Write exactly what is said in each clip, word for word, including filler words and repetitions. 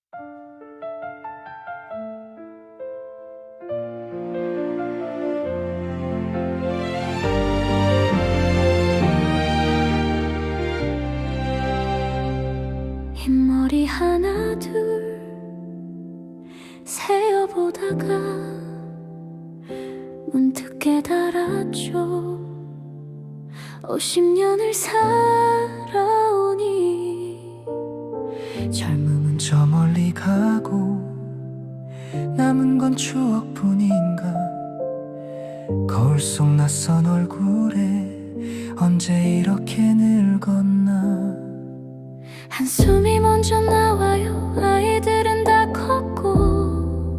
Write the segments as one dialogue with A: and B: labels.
A: 흰머리 하나 둘 세어보다가 문득 깨달았죠. 오십 년을 살아오니
B: 젊음은 저 멀리 가고 남은 건 추억뿐인가. 거울 속 낯선 얼굴에 언제 이렇게 늙었나.
A: 한숨이 먼저 나와요. 아이들은 다 컸고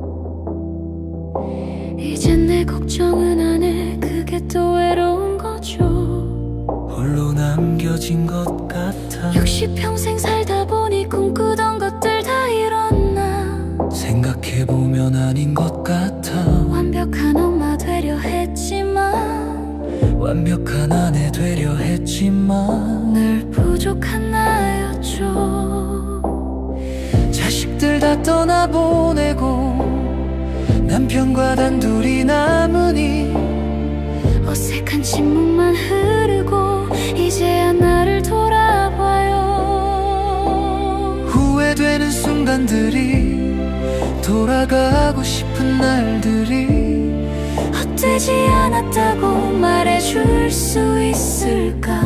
A: 이젠 내 걱정은 안 해. 그게 또 외로운 거죠.
B: 홀로 남겨진 것 같아.
A: 역시 평생 살다 보니 꿈꾸던 것들 다 이뤘나.
B: 생각해보면 아닌 것 같아.
A: 완벽한 엄마 되려 했지만
B: 완벽한 아내 되려 했지만
A: 늘 부족한 나였죠.
B: 자식들 다 떠나보내고 남편과 단둘이 남으니
A: 어색한 침묵만 흐르고 이제야 나를 돌아봐요.
B: 후회되는 순간들이 돌아가고 싶은 날들이
A: 헛되지 않았다고 말해줄 수 있을까.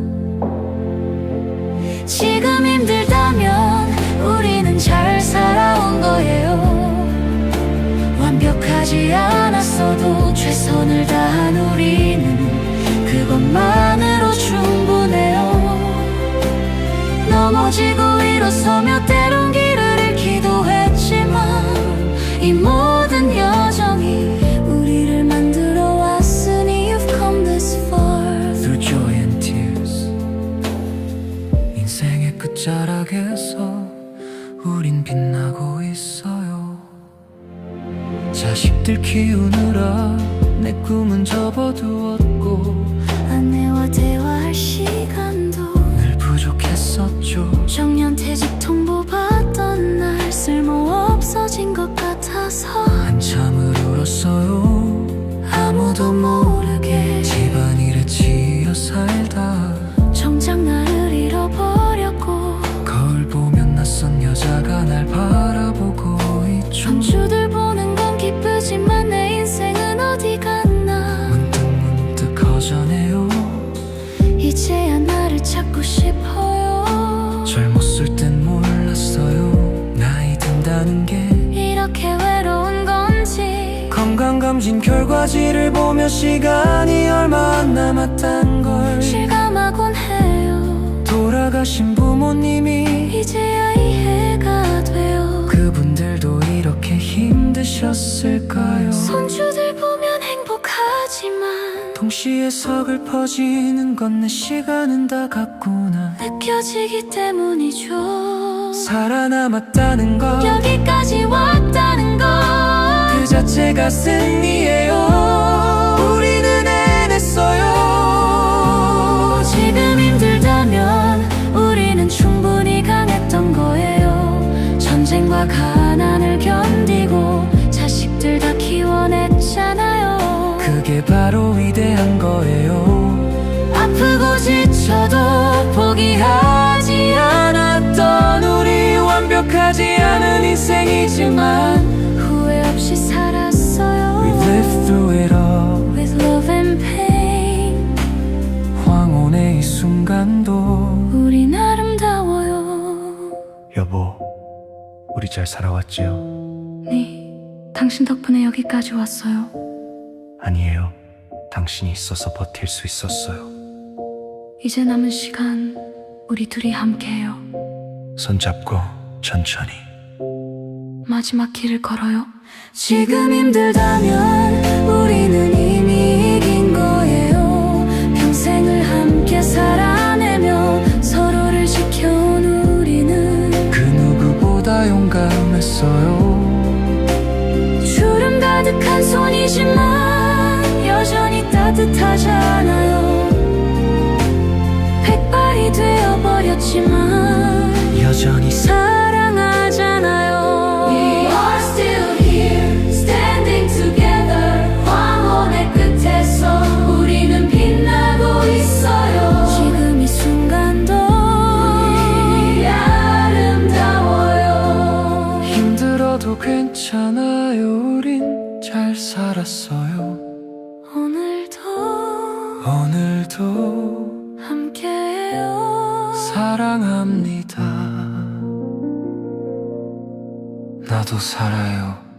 A: 지금 힘들다면 우리는 잘 살아온 거예요. 완벽하지 않았어도 최선을 다한 우리는 그것만으로 충분해요. 넘어지고 일어서며 때론 길을 잃기도 했지만 이 모든 여정이 우리를 만들어 왔으니 You've come this far
B: Through joy and tears. 인생의 끝자락에서 우린 빛나고 있어요. 자식들 키우느라 내 꿈은 접어두었고
A: 아내와 대화할 시간도
B: 늘 부족했었죠.
A: 정년퇴직 통보 받던 날 쓸모없어진 것 같아서
B: 한참을 울었어요.
A: 아무도 모르게
B: 집안일에 치여 살다
A: 정작 나를 잃어버렸고
B: 거울 보면 낯선 여자가 날 바라보고 있죠.
A: 손주들 보는 건 기쁘지만 내 인생은 어디 갔나.
B: 문득 문득 허전해요.
A: 이제야 나를 찾고 싶어요.
B: 젊었을 땐 몰랐어요. 나이 든다는 게
A: 이렇게 외로운 건지.
B: 건강검진 결과지를 보며 시간이 얼마 안 남았단 걸
A: 실감하곤 해요.
B: 돌아가신 부모님이
A: 이제야 이해가 돼요.
B: 그분들도 이렇게 힘드셨을까요?
A: 손주들 보면 행복하지만
B: 동시에 서글퍼지는 건 내 시간은 다 갔구나
A: 느껴지기 때문이죠.
B: 살아남았다는 것
A: 여기까지 왔다는 것
B: 그 자체가 승리예요. 우리는 해냈어요.
A: 지금 힘들다면 우리는 충분히 강했던 거예요. 전쟁과 가난을 견디고 자식들 다 키워냈잖아요.
B: 그게 바로 위대한 거예요.
A: 아프고 지쳐도 포기하지 않았던 우리.
B: 완벽하지 않은 인생이지만
A: 후회 없이 살았어요.
B: We lived through it all
A: With love and pain.
B: 황혼의 이 순간도
A: 우린 아름다워요.
B: 여보, 우리 잘 살아왔지요?
A: 네, 당신 덕분에 여기까지 왔어요.
B: 아니에요. 당신이 있어서 버틸 수 있었어요.
A: 이제 남은 시간 우리 둘이 함께해요.
B: 손잡고 천천히
A: 마지막 길을 걸어요. 지금 힘들다면 우리는 이미 이긴 거예요. 평생을 함께 살아내며 서로를 지켜온 우리는
B: 그 누구보다 용감했어요.
A: 주름 가득한 손이지만 여전히 따뜻하잖아요. 백발이 되어버렸지만
B: 여전히
A: 사랑하잖아요.
B: 잘 살았어요.
A: 오늘도
B: 오늘도
A: 함께해요.
B: 사랑합니다. 나도 살아요.